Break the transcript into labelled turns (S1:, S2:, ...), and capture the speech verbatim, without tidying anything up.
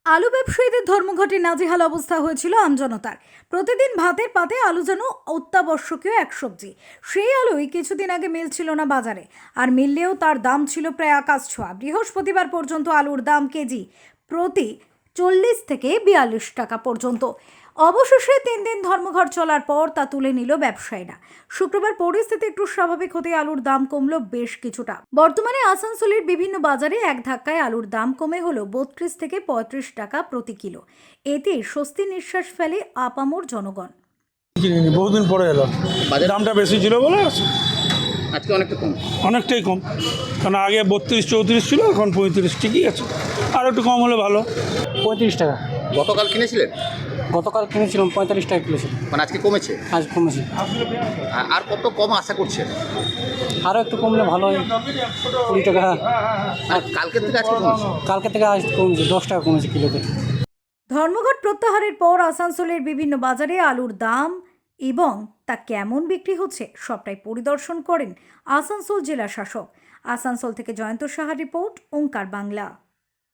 S1: আলু ব্যবসায়ীদের ধর্মঘটে নাজেহাল অবস্থা হয়েছিল আমজনতার। প্রতিদিন ভাতের পাতে আলু যেন অত্যাবশ্যকীয় এক সবজি। সেই আলুই কিছুদিন আগে মিলছিল না বাজারে, আর মিললেও তার দাম ছিল প্রায় আকাশ ছোঁয়া। বৃহস্পতিবার পর্যন্ত আলুর দাম কেজি প্রতি চল্লিশ থেকে বিয়াল্লিশ টাকা পর্যন্ত। অবশেষে তিন দিন ধর্মঘট চলার পর তা তুলে নিল ব্যবসায়ীরা। শুক্রবার পরিস্থিতি একটু স্বাভাবিক হতে আলুর দাম কমলো বেশ কিছুটা। বর্তমানে আসানসোলের বিভিন্ন বাজারে এক ধাক্কায় আলুর দাম কমে হলো বত্রিশ থেকে পঁয়ত্রিশ টাকা প্রতি কিলো। এতে স্বস্তি নিঃশ্বাস ফেলে আপামর জনগণ।
S2: কিনিনি, বহুদিন পরে এলো।
S3: বাজার
S2: দামটা বেশি ছিল বলে
S3: আজকে অনেকটা কম।
S2: অনেকটাই কম, কারণ আগে বত্রিশ চৌত্রিশ ছিল, এখন পঁয়ত্রিশ। ঠিকই আছে, আর একটু কম হলে ভালো।
S4: পঁয়ত্রিশ টাকা।
S3: গতকাল কিনেছিলেন,
S4: গতকাল কিনেছিলাম পঁয়তাল্লিশ টাকা কিলো ছিল,
S3: মানে আজকে কমেছে।
S4: আজ কমেছে।
S3: আ- আর কত কম আশা করছেন?
S4: আরও একটু কমলে ভালো হয়, কুড়ি টাকা।
S3: আর কালকের থেকে আজকে কমেছে।
S4: কালকে থেকে আজ কমেছে, দশ টাকা কমেছে কিলোতে।
S1: ধর্মঘট প্রত্যাহারের পর আসানসোলের বিভিন্ন বাজারে আলুর দাম এবং তা কেমন বিক্রি হচ্ছে সবটাই পরিদর্শন করেন আসানসোল জেলা শাসক। আসানসোল থেকে জয়ন্ত সাহার রিপোর্ট, ওঙ্কার বাংলা।